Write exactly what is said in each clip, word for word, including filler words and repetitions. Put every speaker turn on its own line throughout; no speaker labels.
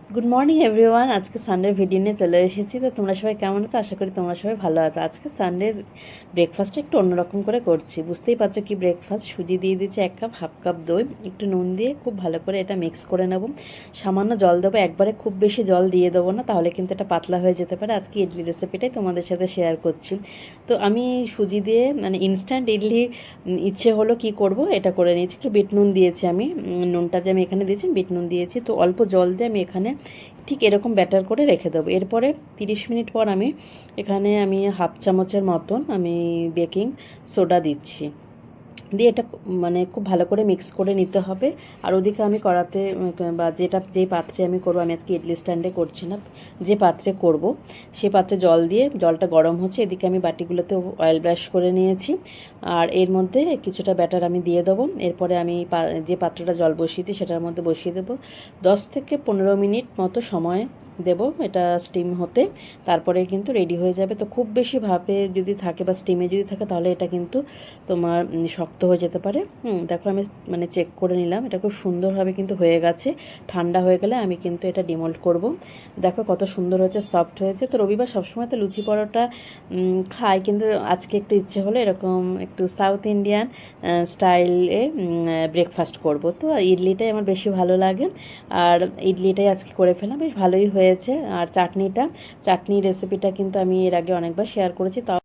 Good morning everyone. আজকে সানডের video নিয়ে চলে এসেছি। তো তোমরা সবাই কেমন আছো? আশা করি তোমরা সবাই ভালো আছো। আজকে সানডের ব্রেকফাস্টটা একটু অন্যরকম করে করছি। বুঝতেই পারছো কি ব্রেকফাস্ট। সুজি দিয়ে দিচ্ছি এক কাপ, হাফ কাপ দই, একটু নুন দিয়ে খুব ভালো করে এটা মিক্স করে নেব। সামান্য জল দেবো, একবারে খুব বেশি জল দিয়ে দেবো না, তাহলে কিন্তু এটা পাতলা হয়ে যেতে পারে। আজকে ইডলি রেসিপিটাই তোমাদের সাথে শেয়ার করছি। তো আমি সুজি দিয়ে মানে ইনস্ট্যান্ট ইডলি ইচ্ছে হলো কি করব, এটা করে নিয়েছি। একটু বিট নুন দিয়েছি আমি, নুনটা যে আমি এখানে দিয়েছি বিট নুন দিয়েছি। তো অল্প জল দিয়ে আমি এখানে ঠিক এরকম ব্যাটার করে রেখে দেবো। এরপরে তিরিশ মিনিট পর আমি এখানে আমি হাফ চামচের মতন আমি বেকিং সোডা দিচ্ছি, দিয়ে এটা মানে খুব ভালো করে মিক্স করে নিতে হবে। আর ওদিকে আমি কড়াতে বা যেটা যেই পাত্রে আমি করবো, আমি আজকে ইডলি স্ট্যান্ডে করছি না, যে পাত্রে করব সেই পাত্রে জল দিয়ে, জলটা গরম হচ্ছে, এদিকে আমি বাটিগুলোতে অয়েল ব্রাশ করে নিয়েছি। আর এর মধ্যে কিছুটা ব্যাটার আমি দিয়ে দেবো। এরপরে আমি যে পাত্রটা জল বসিয়েছি সেটার মধ্যে বসিয়ে দেবো। দশ থেকে পনেরো মিনিট মতো সময় দেব এটা স্টিম হতে, তারপরে কিন্তু রেডি হয়ে যাবে। তো খুব বেশি ভাপে যদি থাকে বা স্টিমে যদি থাকে তাহলে এটা কিন্তু তোমার শক্ত হয়ে যেতে পারে। হুম দেখো আমি মানে চেক করে নিলাম, এটা খুব সুন্দরভাবে কিন্তু হয়ে গেছে। ঠান্ডা হয়ে গেলে আমি কিন্তু এটা ডিমোল্ড করব। দেখো কত সুন্দর হয়েছে, সফট হয়েছে। তো রবিবার সবসময় তো লুচি পরোটা খাই, কিন্তু আজকে একটু ইচ্ছে হলো এরকম একটু সাউথ ইন্ডিয়ান স্টাইলে ব্রেকফাস্ট করব। তো ইডলিটাই আমার বেশি ভালো লাগে, আর ইডলিটাই আজকে করে ফেলাম, বেশ ভালোই হয়েছে। আর চাটনিটা চাটনি রেসিপিটা কিন্তু আমি এর আগে অনেকবার শেয়ার করেছি। তাও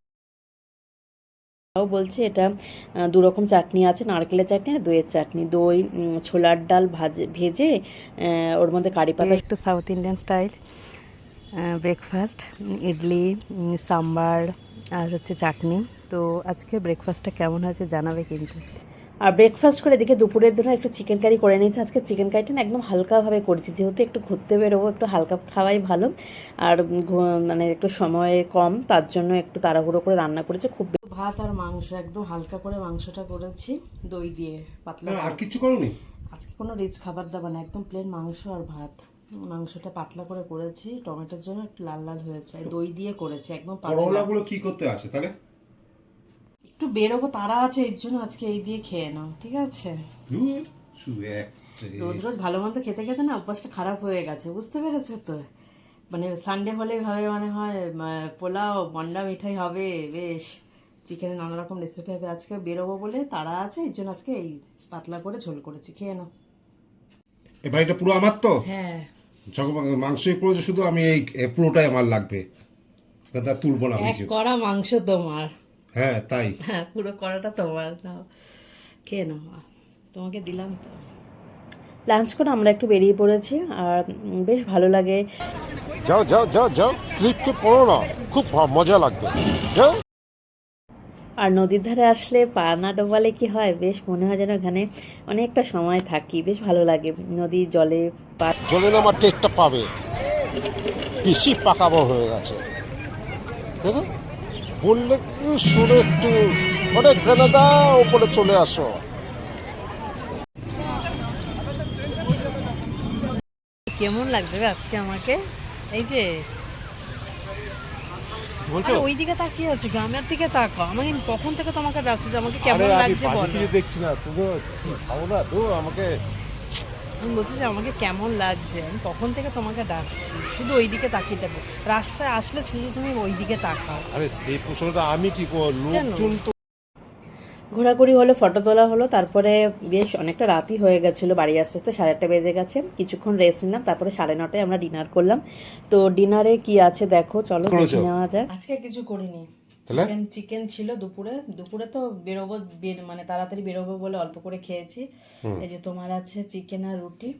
তাও বলছি, এটা দু রকম চাটনি আছে, নারকেলের চাটনি আর দইয়ের চাটনি। দই ছোলার ডাল ভাজে ভেজে ওর মধ্যে কারি পাতা, একটু south Indian style breakfast, idli, sambar আর হচ্ছে চাটনি। তো আজকে ব্রেকফাস্টটা কেমন হয়েছে জানাবে কিন্তু। আর ব্রেকফাস্ট করে এদিকে দুপুরের জন্য একটু চিকেন কারি করে নিয়েছি। আজকে চিকেন কারিটা না একদম হালকাভাবে করেছি, যেহেতু একটু ঘুরতে বেরোবো, একটু হালকা খাওয়াই ভালো। আর মানে একটু সময় কম, তার জন্য একটু তাড়াহুড়ো করে রান্না করেছি। খুব ভাত আর মাংস একদম হালকা করে মাংসটা করেছি দই দিয়ে পাতলা।
আর কিছু করোনি
আজকে কোনো রিচ খাবার দাবার না, একদম প্লেন মাংস আর ভাত। মাংসটা পাতলা করে করেছি, টমেটোর জন্য একটু লাল লাল হয়েছে, দই দিয়ে করেছি একদম পাতলা।
করলাগুলো কি করতে আছে তাহলে?
একটু বেরোবো তারা আছে, এর জন্য আজকে এই দিয়ে খেয়ে নাও, ঠিক আছে?
শুধু এক
রোজ রোজ ভালো মন্দ খেতে খেতে না অভ্যাসটা খারাপ হয়ে গেছে, বুঝতে পেরেছো তো? মানে সানডে হলে ভাবে মানে হয় পোলাও মন্ডা মিঠাই হবে, বেশ চিকেনের নানা রকম রেসিপি হবে। আজকে বেরোবো বলে তারা আছে, এর জন্য আজকে এই পাতলা করে ঝোল করেছি, খেয়ে নাও।
এ বাড়িটা পুরো আমার তো?
হ্যাঁ,
যখন মাংসই করেছে শুধু, আমি এই এ পুরোটাই আমার লাগবে, তা তুলবো না
এক
কিছু।
কড়া মাংস তোমার।
হ্যাঁ তাই।
হ্যাঁ, পুরো কড়াটা তোমার, নাও খেয়ে নাও, তোমাকে দিলাম তো। লাঞ্চ করে আমরা একটু বেরিয়ে পড়েছি, আর বেশ ভালো লাগে।
যাও যাও যাও যাও, স্লিপকে পড়ো না, খুব মজা লাগবে, যাও।
আর নদীর ধারে আসলে পা না ডোবালে কি হয়, বেশ মনে হয় যেন এখানে অনেকটা সময় থাকি, বেশ ভালো লাগে নদীর জলে পা।
জলে নামার টেস্টটা পাবে, বেশি পাকাবো হয়ে গেছে দেখো, বললে শুনে একটু অনেক গ্রেনাদা উপরে চলে আসো।
কেমন লাগছে আজকে আমাকে, এই যে
বলছো
ওই দিকে তাকিয়ে আছে, গ্রামের দিকে তাকাও, আমাকে কখন থেকে তোমাকে ডাকছে যে আমাকে কেমন লাগছে বলো।
দেখছি না তুমি খাবো না তো আমাকে।
আমি বলছি যে আমাকে কেমন লাগছে, আমি কখন থেকে তোমাকে ডাকছি, শুধু ওই দিকে তাকিয়ে থাকো, রাস্তায় আসলে শুধু তুমি ওই দিকে তাকাও।
আরে সেই প্রশ্নটা আমি কি করব, লোকজন তো।
ঘোরাঘুরি হলো, ফটো তোলা হলো, তারপরে বেশ অনেকটা রাতই হয়ে গেছিলো, বাড়ি আসতে আসতে সাড়ে আটটা বেজে গেছে। কিছুক্ষণ রেস্ট নিলাম, তারপরে সাড়ে নটায় আমরা ডিনার করলাম। তো ডিনারে কি আছে দেখো, চলো দেখে নেওয়া যায়। আজকে কিছু করিনি, চিকেন চিকেন ছিল দুপুরে। দুপুরে তো বেরোবো, মানে তাড়াতাড়ি বেরোবো বলে অল্প করে খেয়েছি। এই যে তোমার আছে চিকেন আর রুটি,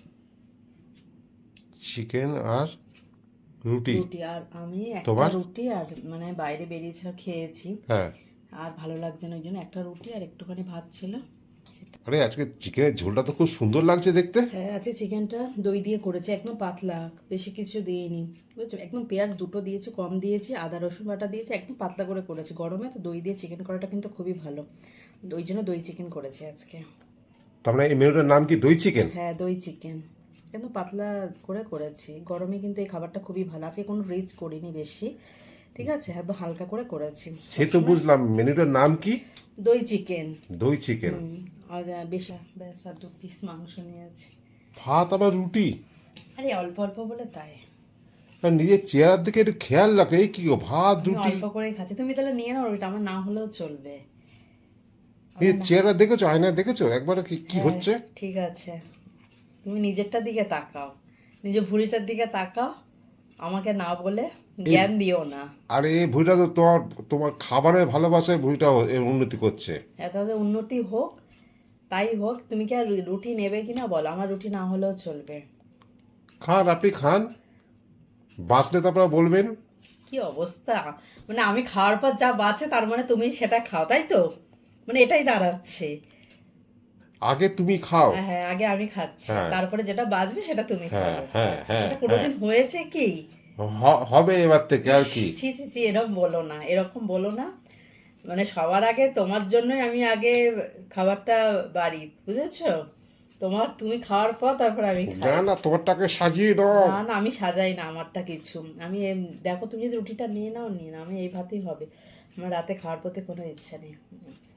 চিকেন আর রুটি
রুটি আর আমি একটা রুটি, আর মানে বাইরে বেরিয়েছিলাম খেয়েছি,
হ্যাঁ।
আর ভালো লাগছে না ওই জন্য একটা রুটি আর একটুখানি ভাত ছিল।
আরে আজকে চিকেনের ঝোলটা তো খুব সুন্দর লাগছে দেখতে।
হ্যাঁ, আছে চিকেনটা দই দিয়ে করেছে, একদম পাতলা, বেশি কিছু দিইনি, বুঝছো? একদম পেঁয়াজ দুটো দিয়েছে, কম দিয়েছি, আদা রসুন বাটা দিয়েছে, একদম পাতলা করে করেছে। গরমে তো দই দিয়ে চিকেন করাটা কিন্তু খুবই ভালো, ওই জন্য দই চিকেন করেছে আজকে।
তার মানে এই মেনুটার নাম কি দই চিকেন?
হ্যাঁ, দই চিকেন একদম পাতলা করে করেছি। গরমে কিন্তু এই খাবারটা খুবই ভালো। আজকে কোনো রিচ করিনি বেশি, ঠিক আছে, একদম হালকা করে করেছি।
সে তো বুঝলাম, মেনুটার নাম কি?
দই চিকেন।
দই চিকেন।
আর বেশ ব্যাস আর দু পিস মাংস নিয়েছি।
ভাত আবার রুটি?
আরে অল্প অল্প বলে তাই
আর নিজের চেহারার দিকে একটু খেয়াল রাখো। এই কি গো, ভাত
আমি
রুটি,
অল্প করেই খাচ্ছি, তুমি তাহলে নিয়ে নাও রুটিটা, আমার না হলেও চলবে।
নিজের চেহারা দেখেছো, আয়নায় দেখেছো একবার কি কি
হ্যাঁ,
হচ্ছে?
ঠিক আছে, তুমি নিজেরটার দিকে তাকাও, নিজের ভুঁড়িটার দিকে তাকাও, আমাকে না বলে জ্ঞান দিও না।
আর এই ভুঁড়িটা তো তোমার তোমার খাবারের ভালোবাসায় ভুঁড়িটা এর উন্নতি করছে।
এত উন্নতি হোক, তাই হোক, তুমি কি আর রুটি নেবে কিনা বলো, আমার রুটি না হলেও চলবে।
খান, আপনি খান, বাঁচলে তারপর বলবেন।
কি অবস্থা, মানে আমি খাওয়ার পর যা বাঁচে তার মানে তুমি সেটা খাও, তাই তো? মানে এটাই দাঁড়াচ্ছে।
আগে তুমি খাও।
হ্যাঁ হ্যাঁ, আগে আমি খাচ্ছি,
হ্যাঁ।
তারপরে যেটা বাঁচবে সেটা তুমি
হ্যাঁ,
খাবে।
হ্যাঁ,
আচ্ছা,
হ্যাঁ,
সেটা কোনোদিন হয়েছে কি?
হ- হবে এবার থেকে আর কি।
ছি ছি ছি, এরকম বলো না, এরকম বলো না। মানে সবার আগে তোমার জন্যই আমি আগে খাবারটা বাড়ি, বুঝেছো? তোমার, তুমি খাওয়ার পর তারপর আমি খাই।
না না, তোমারটাকে সাজিয়ে দাও।
না না, আমি সাজাই না আমারটা কিছু। আমি এম- দেখো, তুমি যদি রুটিটা নিয়ে নাও, নিয়ে নাও, আমি এই ভাতেই হবে। আমার রাতে খাওয়ার প্রতি কোনো ইচ্ছা নেই।